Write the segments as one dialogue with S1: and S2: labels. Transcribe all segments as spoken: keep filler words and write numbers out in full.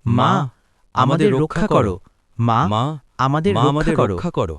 S1: মা আমাদের রক্ষা করো, মা আমাদের রক্ষা করো।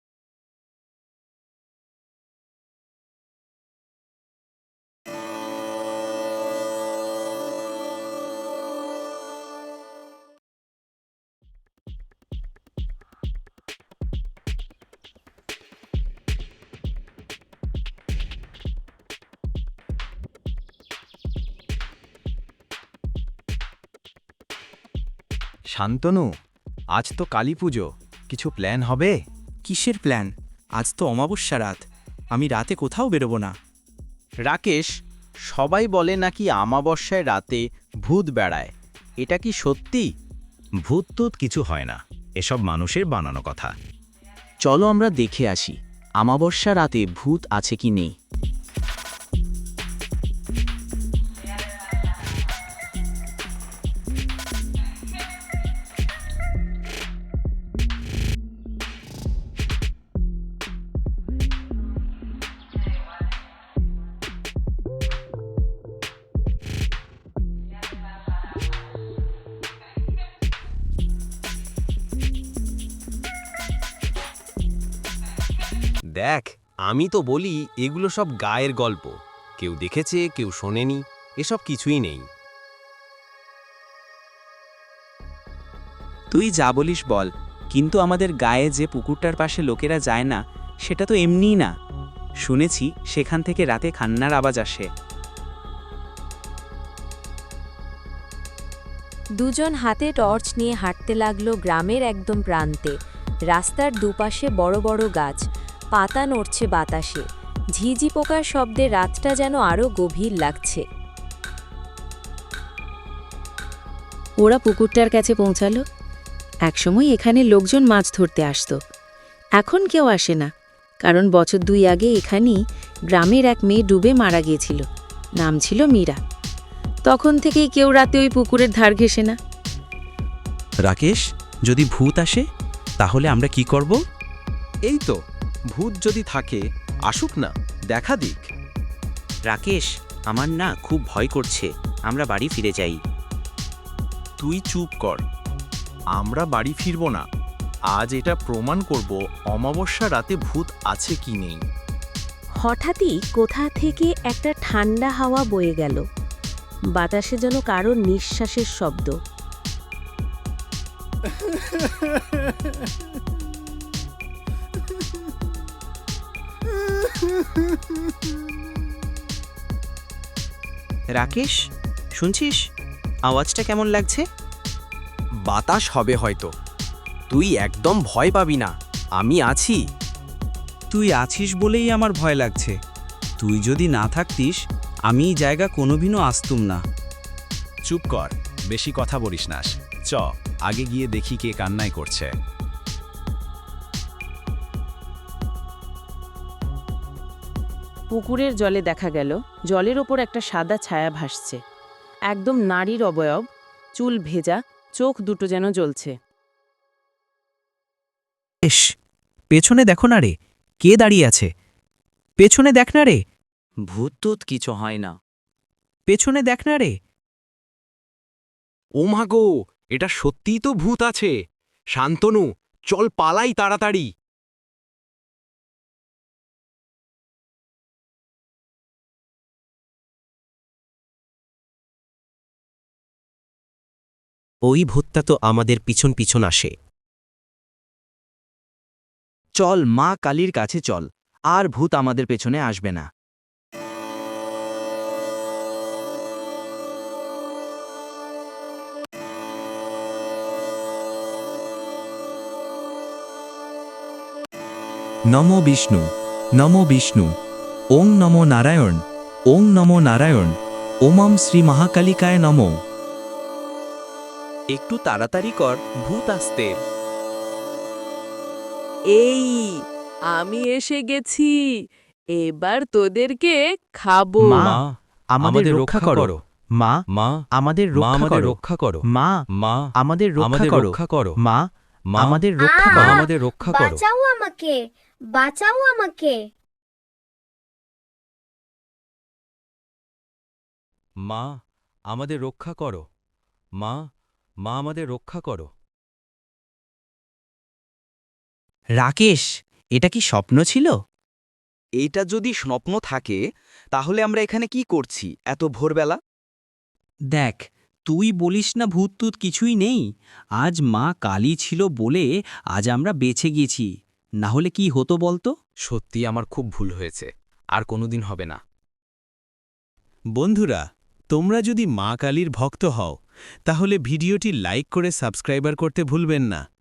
S2: শান্তনু, আজ তো কালী পুজো, কিছু প্ল্যান হবে?
S3: কিসের প্ল্যান? আজ তো অমাবস্যা রাত, আমি রাতে কোথাও বেরোবো না।
S4: রাকেশ, সবাই বলে নাকি আমাবস্যায় রাতে ভূত বেড়ায়, এটা কি সত্যি?
S2: ভূত টুত কিছু হয় না, এসব মানুষের বানানো কথা।
S3: চলো আমরা দেখে আসি আমাবস্যা রাতে ভূত আছে কি নেই।
S5: দেখ, আমি তো বলি এগুলো সব গায়ের গল্প, কেউ দেখেছে কেউ শোনেনি, এসব কিছুই নেই।
S3: তুই যা বলিস বল, কিন্তু আমাদের গায়ে যে পুকুরটার পাশে লোকেরা যায় না, সেটা তো এমনিই না। শুনেছি সেখান থেকে রাতে কান্নার আওয়াজ আসে।
S6: দুজন হাতে টর্চ নিয়ে হাঁটতে লাগলো গ্রামের একদম প্রান্তে। রাস্তার দুপাশে বড় বড় গাছ, পাতা নড়ছে বাতাসে, ঝিঝি পোকার শব্দে রাতটা যেন আরও গভীর লাগছে।
S7: ওরা পুকুরটার কাছে পৌঁছালো। একসময় এখানে লোকজন মাছ ধরতে আসতো, এখন কেউ আসে না, কারণ বছর দুই আগে এখানেই গ্রামের এক মেয়ে ডুবে মারা গিয়েছিল, নাম ছিল মীরা। তখন থেকেই কেউ রাতে ওই পুকুরের ধার ঘেঁষে না।
S1: রাকেশ, যদি ভূত আসে তাহলে আমরা কি করব?
S5: এই তো, ভূত যদি থাকে আসুক না, দেখা দিক।
S3: রাকেশ, আমার না খুব ভয় করছে, আমরা বাড়ি ফিরে যাই।
S2: তুই চুপ কর, আমরা বাড়ি ফিরব না। আজ এটা প্রমাণ করব অমাবস্যা রাতে ভূত আছে কি নেই।
S7: হঠাৎই কোথা থেকে একটা ঠান্ডা হাওয়া বয়ে গেল, বাতাসে যেন কারো নিঃশ্বাসের শব্দ।
S3: রাকেশ, শুনছিস আওয়াজটা কেমন লাগছে?
S5: বাতাস হবে হয়তো, তুই একদম ভয় পাবি না, আমি আছি।
S1: তুই আছিস বলেই আমার ভয় লাগছে। তুই যদি না থাকতিস আমি এই জায়গা কোনোদিনও আসতুম না।
S2: চুপ কর, বেশি কথা বলিস না। চ, আগে গিয়ে দেখি কে কান্নাই করছে।
S7: পুকুরের জলে দেখা গেল জলের ওপর একটা সাদা ছায়া ভাসছে, একদম নারীর অবয়ব, চুল ভেজা, চোখ দুটো যেন জ্বলছে।
S1: এস, পেছনে দেখো না রে, কে দাঁড়িয়ে আছে? পেছনে দেখ না রে,
S3: ভূত টুত কিছু হয় না।
S1: পেছনে দেখ না রে।
S5: ও মা গো, এটা সত্যিই তো ভূত আছে। শান্তনু, চল পালাই তাড়াতাড়ি। ওই ভূতটা তো আমাদের পিছন পিছন আসে।
S3: চল মা কালীর কাছে চল, আর ভূত আমাদের পেছনে আসবে না।
S8: নমো বিষ্ণু, নমো বিষ্ণু, ওং নমো নারায়ণ, ওং নমো নারায়ণ, ওমম শ্রী মহাকালিকায় নমো।
S3: একটু তাড়াতাড়ি কর, ভূত আসতে।
S7: এই, আমি এসে গেছি, এবার তোদেরকে খাবো।
S1: মা আমাদের রক্ষা করো, মা
S2: মা
S1: আমাদের রক্ষা করো, মা
S2: মা
S1: আমাদের
S2: আমাদের
S1: রক্ষা
S2: রক্ষা
S1: করো,
S2: করো।
S1: মা
S2: মা
S1: আমাদের রক্ষা করো,
S2: আমাদের রক্ষা করো।
S9: বাঁচাও আমাকে, বাঁচাও আমাকে।
S2: মা আমাদের রক্ষা করো, মা
S5: মা আমাদের রক্ষা করো।
S3: রাকেশ, এটা কি স্বপ্ন ছিল?
S1: এইটা যদি স্বপ্ন থাকে তাহলে আমরা এখানে কি করছি এত ভোরবেলা?
S3: দেখ, তুই বলিস না ভূত টুত কিছুই নেই। আজ মা কালী ছিল বলে আজ আমরা বেঁচে গেছি, না হলে কি হতো বলতো?
S5: সত্যি আমার খুব ভুল হয়েছে, আর কোনোদিন হবে না।
S10: বন্ধুরা, তোমরা যদি মা কালীর ভক্ত হও তাহলে ভিডিওটি লাইক করে সাবস্ক্রাইবার করতে ভুলবেন না।